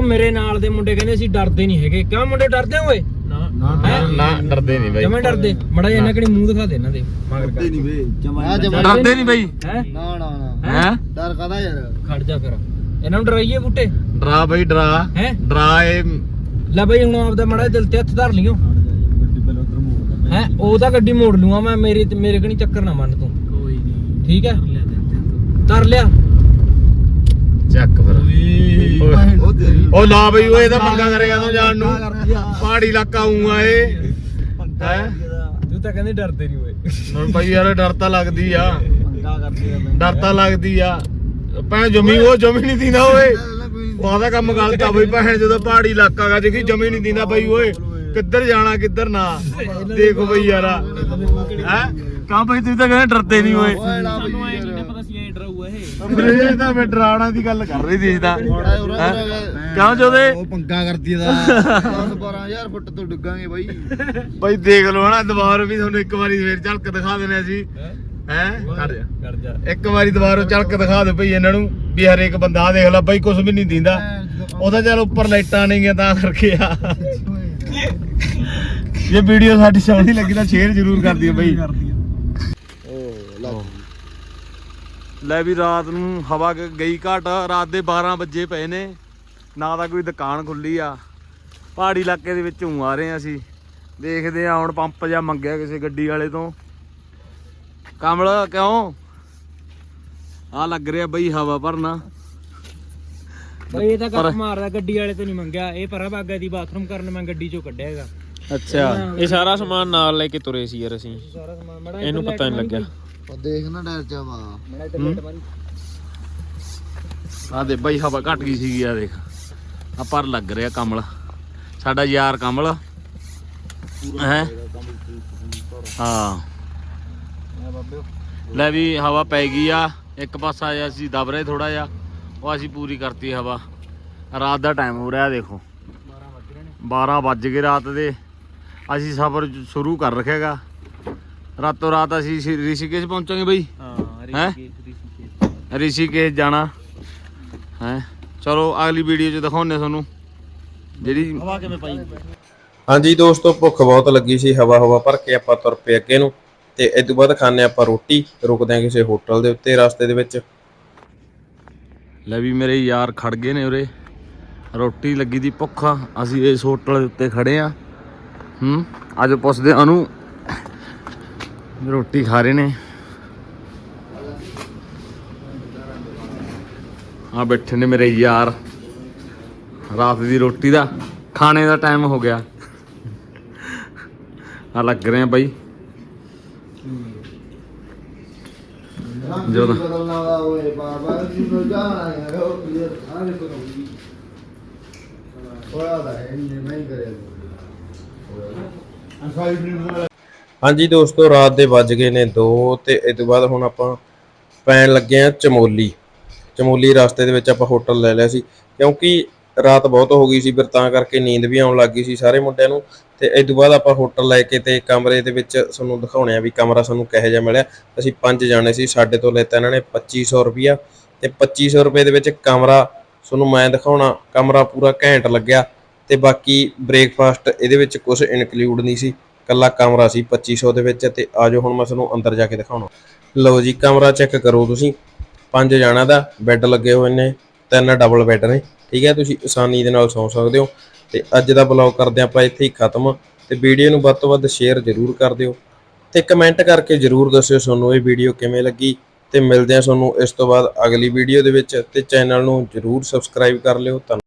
ਮੇਰੇ ਨਾਲ ਦੇ ਮੁੰਡੇ ਕਹਿੰਦੇ ਅਸੀਂ ਡਰਦੇ ਨਹੀਂ ਹੈਗੇ। ਕਿਉਂ ਮੁੰਡੇ ਡਰਦੇ ਓਏ? ਨਾ ਡਰਦੇ ਨਹੀਂ ਬਾਈ, ਜਮੇ ਡਰਦੇ। ਮੜਾ ਜਿਹਾ ਇਹਨਾਂ ਕਿਹੜੀ ਮੂੰਹ ਦਿਖਾ ਦੇ ਇਹਨਾਂ ਦੇ। ਡਰਦੇ ਨਹੀਂ ਬਈ, ਡਰਦੇ ਨਹੀਂ ਬਾਈ। ਨਾ ਹੈ ਡਰ ਕਾਦਾ ਯਾਰ? ਖੜ ਜਾ ਫਿਰ, ਇਹਨਾਂ ਨੂੰ ਡਰਾਈਏ ਬੂਟੇ। ਡਰਾ ਬਾਈ ਡਰਾ ਹੈ ਡਰਾ ਇਹ ਲੈ ਬਈ ਹੁਣ ਆਪਦਾ ਮੜਾ ਦਿਲ ਤੇ ਹੱਥ ਧਰ ਲਿਓ। ਹੈ ਉਹ ਤਾਂ ਗੱਡੀ ਮੋੜ ਲੂਆ ਮੈਂ, ਮੇਰੇ ਕਣੀ ਚੱਕਰ ਨਾ ਮੰਨ ਤੂੰ। ਕੋਈ ਨਹੀਂ ਠੀਕ ਹੈ, ਧਰ ਲਿਆ ਚੱਕ ਫਿਰ। ਉਹ ਲਾ ਬਈ ਓਏ ਇਹਦਾ ਪੰਗਾ ਕਰੇਗਾ ਤੂੰ ਜਾਣ ਨੂੰ, ਪਹਾੜੀ ਇਲਾਕਾ ਆਉਂਗਾ ਇਹ। ਹੈ ਤੂੰ ਤਾਂ ਕਹਿੰਦੇ ਡਰਦੇ ਨਹੀਂ ਓਏ। ਹੁਣ ਬਾਈ ਯਾਰ ਡਰ ਤਾਂ ਲੱਗਦੀ ਆ, ਡਰ ਤਾਂ ਲੱਗਦੀ ਆ। ਭੈਣ ਜਮੀ ਉਹ ਜਮੀ ਨਹੀਂ ਦਿੰਦਾ ਓਏ, ਉਹਦਾ ਕੰਮ ਗਲਤ ਆ ਬਈ। ਭੈਣ ਜਦੋਂ ਪਹਾੜੀ ਇਲਾਕਾ ਗਾ ਜੀ ਜਮੀ ਨਹੀਂ ਦਿੰਦਾ ਬਈ ਓਏ, ਕਿੱਧਰ ਜਾਣਾ ਕਿੱਧਰ ਨਾ। ਦੇਖੋ ਬਈ ਯਾਰ ਹੈ ਕਹਾਂ ਬਈ ਤੁਸੀਂ ਤਾਂ ਕਹਿੰਦੇ ਡਰਦੇ ਨਹੀਂ ਓਏ। ਸਾਨੂੰ ਐ ਨਹੀਂ ਪਤਾ ਸੀ ਐ ਡਰਾਊਗਾ ਇਹ। ਮੇਰੇ ਤਾਂ ਮੈਂ ਡਰਾਉਣਾ ਦੀ ਗੱਲ ਕਰ ਰਹੀ ਸੀ ਤਾਂ ਕਿਉਂ ਜੋਦੇ ਉਹ ਪੰਗਾ ਕਰਦੀ ਦਾ 10-12000 ਫੁੱਟ ਤੋਂ ਡੁੱਗਾਂਗੇ ਬਾਈ। ਬਾਈ ਦੇਖ ਲਓ ਹਨਾ, ਦੁਬਾਰਾ ਵੀ ਤੁਹਾਨੂੰ ਇੱਕ ਵਾਰੀ ਫੇਰ ਝਲਕ ਦਿਖਾ ਦੇਣੇ ਅਸੀਂ। ਹੈ ਕਰ ਜਾ ਇੱਕ ਵਾਰੀ ਦੁਬਾਰਾ ਝਲਕ ਦਿਖਾ ਦੇ ਭਈ ਇਹਨਾਂ ਨੂੰ ਵੀ ਹਰੇਕ ਬੰਦਾ ਦੇਖ ਲੈ ਬਾਈ ਕੁਝ ਵੀ ਨਹੀਂ ਦਿੰਦਾ। ਉਹਦਾ ਚੱਲ ਉੱਪਰ ਲਾਈਟਾਂ ਨਹੀਂ ਗਿਆ ਤਾਂ ਕਰਕੇ ਆ। ਇਹ ਵੀਡੀਓ ਸਾਡੀ ਸੋਹਣੀ ਲੱਗੀ ਤਾਂ ਸ਼ੇਅਰ ਜ਼ਰੂਰ ਕਰ ਦਿਓ ਬਈ। ਲੈ ਵੀ ਰਾਤ ਨੂੰ ਹਵਾ ਗਈ ਘਟ, ਰਾਤ ਦੇ 12 ਵਜੇ ਪਏ ਨੇ, ਨਾ ਤਾਂ ਕੋਈ ਦੁਕਾਨ ਖੁੱਲੀ ਆ। ਪਹਾੜੀ ਇਲਾਕੇ ਦੇ ਵਿੱਚ ਆ ਰਹੇ ਆ ਅਸੀਂ, ਦੇਖਦੇ ਆ ਹੁਣ ਪੰਪ ਜਾਂ ਮੰਗਿਆ ਕਿਸੇ ਗੱਡੀ ਵਾਲੇ ਤੋਂ। ਕਮਲ ਕਿਉਂ ਆ ਲੱਗ ਰਿਹਾ ਬਈ ਹਵਾ ਭਰਨਾ ਬਈ? ਇਹ ਤਾਂ ਗੱਪ ਮਾਰਦਾ, ਗੱਡੀ ਵਾਲੇ ਤੋਂ ਨਹੀਂ ਮੰਗਿਆ। ਇਹ ਪਰਾ ਬਾਗਾ ਦੀ ਬਾਥਰੂਮ ਕਰਨ ਮੈਂ ਗੱਡੀ ਚੋਂ ਕੱਢਿਆ ਹੈਗਾ। ਅੱਛਾ ਇਹ ਸਾਰਾ ਸਮਾਨ ਨਾਲ ਲੈ ਕੇ ਤੁਰੇ ਸੀ ਯਾਰ ਅਸੀਂ। ਇਹਨੂੰ ਪਤਾ ਨਹੀਂ ਲੱਗਿਆ। ਉਹ ਦੇਖ ਨਾ ਡਰ ਜਾ ਵਾ। ਆ ਦੇ ਬਈ ਹਵਾ ਘਟ ਗਈ ਸੀਗੀ, ਆ ਦੇਖ ਆ ਪਰ ਲੱਗ ਰਿਹਾ ਕਮਲ, ਸਾਡਾ ਯਾਰ ਕਮਲ ਹੈ। ਹਾਂ ਲੈ ਵੀ ਹਵਾ ਪੈ ਗਈ ਆ, ਇੱਕ ਪਾਸਾ ਆਇਆ ਸੀ ਦਬ ਰਹੇ ਥੋੜਾ ਜਿਹਾ, ਉਹ ਅਸੀਂ ਪੂਰੀ ਕਰਤੀ ਹਵਾ। ਰਾਤ ਦਾ ਟਾਈਮ ਹੋ ਰਿਹਾ ਦੇਖੋ, 12 ਵੱਜ ਗਏ ਰਾਤ ਦੇ। ਅਸੀਂ ਸਫ਼ਰ ਸ਼ੁਰੂ ਕਰ ਰੱਖਿਆਗਾ। ਰਾਤੋਂ ਰਾਤ ਅਸੀਂ ਰਿਸ਼ੀਕੇਸ਼ ਪਹੁੰਚਾਂਗੇ ਬਈ। ਹੈ ਰਿਸ਼ੀਕੇਸ਼ ਜਾਣਾ ਹੈ। ਚਲੋ ਅਗਲੀ ਵੀਡੀਓ 'ਚ ਦਿਖਾਉਂਦੇ ਤੁਹਾਨੂੰ ਜਿਹੜੀ ਹਵਾ ਕਿਵੇਂ ਪਾਈ। ਹਾਂਜੀ ਦੋਸਤੋ, ਭੁੱਖ ਬਹੁਤ ਲੱਗੀ ਸੀ, ਹਵਾ ਭਰ ਕੇ ਆਪਾਂ ਤੁਰ ਪਏ ਅੱਗੇ ਨੂੰ। ਤੇ ਇਸ ਤੋਂ ਬਾਅਦ ਖਾਣੇ ਆਪਾਂ ਰੋਟੀ, ਰੁਕਦੇ ਆ ਕਿਸੇ ਹੋਟਲ ਦੇ ਉੱਤੇ ਰਸਤੇ ਦੇ ਵਿੱਚ। ਲੈ ਵੀ ਮੇਰੇ ਯਾਰ ਖੜ ਗਏ ਨੇ ਉਰੇ, ਰੋਟੀ ਲੱਗੀ ਦੀ ਭੁੱਖ। ਅਸੀਂ ਇਸ ਹੋਟਲ ਦੇ ਉੱਤੇ ਖੜੇ ਆ। ਅੱਜ ਪੁੱਛਦੇ ਉਹਨੂੰ, ਰੋਟੀ ਖਾ ਰਹੇ ਨੇ। ਆ ਬੈਠੇ ਨੇ ਮੇਰੇ ਯਾਰ, ਰਾਤ ਦੀ ਰੋਟੀ ਦਾ ਖਾਣੇ ਦਾ ਟਾਈਮ ਹੋ ਗਿਆ। ਆ ਲੱਗ ਰਹੇ ਆ ਬਾਈ ਜੋ ਬਦਲਣਾ ਵਾ ਓਏ ਬਾਬਾ ਜੀ ਨੂੰ ਜਾਣਾ ਯਾਰ। ਉਹ ਯਾਰ ਆ ਦੇਖੋ ਹੋਇਆ ਦਾ ਇਹਨੇ ਨਹੀਂ ਕਰਿਆ। ਹਾਂਜੀ ਦੋਸਤੋ, ਰਾਤ ਦੇ ਵੱਜ ਗਏ ਨੇ 2 ਤੇ ਇਸ ਤੋਂ ਬਾਅਦ ਹੁਣ ਆਪਾਂ ਪੈਣ ਲੱਗੇ ਆ ਚਮੋਲੀ ਰਸਤੇ ਦੇ ਵਿੱਚ ਆਪਾਂ ਹੋਟਲ ਲੈ ਲਿਆ ਸੀ, ਕਿਉਂਕਿ ਰਾਤ ਬਹੁਤ ਹੋ ਗਈ ਸੀ, ਫਿਰ ਤਾਂ ਕਰਕੇ ਨੀਂਦ ਵੀ ਆਉਣ ਲੱਗ ਗਈ ਸੀ ਸਾਰੇ ਮੁੰਡਿਆਂ ਨੂੰ। ਤੇ ਇਸ ਤੋਂ ਬਾਅਦ ਆਪਾਂ ਹੋਟਲ ਲੈ ਕੇ ਤੇ ਕਮਰੇ ਦੇ ਵਿੱਚ ਤੁਹਾਨੂੰ ਦਿਖਾਉਣੇ ਆ ਵੀ ਕਮਰਾ ਸਾਨੂੰ ਕਿਹੋ ਜਿਹਾ ਮਿਲਿਆ। ਅਸੀਂ 5 ਜਾਣੇ ਸੀ, ਸਾਡੇ ਤੋਂ ਲੈਤਾ ਇਹਨਾਂ ਨੇ 2500 ਰੁਪਈਆ ਤੇ 2500 ਰੁਪਏ ਦੇ ਵਿੱਚ ਕਮਰਾ ਤੁਹਾਨੂੰ ਮੈਂ ਦਿਖਾਉਣਾ। ਕਮਰਾ ਪੂਰਾ ਘੈਂਟ ਲੱਗਿਆ ਤੇ ਬਾਕੀ ਬ੍ਰੇਕਫਾਸਟ ਇਹਦੇ ਵਿੱਚ ਕੁਝ ਇਨਕਲੂਡ ਨਹੀਂ ਸੀ, ਕੱਲਾ ਕਮਰਾ ਸੀ 2500 ਦੇ ਵਿੱਚ। ਤੇ ਆਜੋ ਹੁਣ ਮੈਂ ਤੁਹਾਨੂੰ ਅੰਦਰ ਜਾ ਕੇ ਦਿਖਾਉਣਾ। ਲਓ ਜੀ, ਕਮਰਾ ਚੈੱਕ ਕਰੋ ਤੁਸੀਂ। 5 ਜਾਣਿਆਂ ਦਾ ਬੈੱਡ ਲੱਗੇ ਹੋਏ ਨੇ, 3 ਡਬਲ ਬੈੱਡ ਨੇ, ਠੀਕ ਹੈ। ਤੁਸੀਂ ਆਸਾਨੀ ਦੇ ਨਾਲ ਸੌਂ ਸਕਦੇ ਹੋ। ਤੇ ਅੱਜ ਦਾ ਬਲੌਗ ਕਰਦੇ ਆਪਾਂ ਇੱਥੇ ਹੀ ਖਤਮ। ਤੇ ਵੀਡੀਓ ਨੂੰ ਵੱਧ ਤੋਂ ਵੱਧ ਸ਼ੇਅਰ ਜ਼ਰੂਰ ਕਰ ਦਿਓ ਤੇ ਕਮੈਂਟ ਕਰਕੇ ਜ਼ਰੂਰ ਦੱਸਿਓ ਤੁਹਾਨੂੰ ਇਹ ਵੀਡੀਓ ਕਿਵੇਂ ਲੱਗੀ। ਤੇ ਮਿਲਦੇ ਹਾਂ ਤੁਹਾਨੂੰ ਇਸ ਤੋਂ ਬਾਅਦ ਅਗਲੀ ਵੀਡੀਓ ਦੇ ਵਿੱਚ। ਤੇ ਚੈਨਲ ਨੂੰ ਜ਼ਰੂਰ ਸਬਸਕ੍ਰਾਈਬ ਕਰ ਲਿਓ।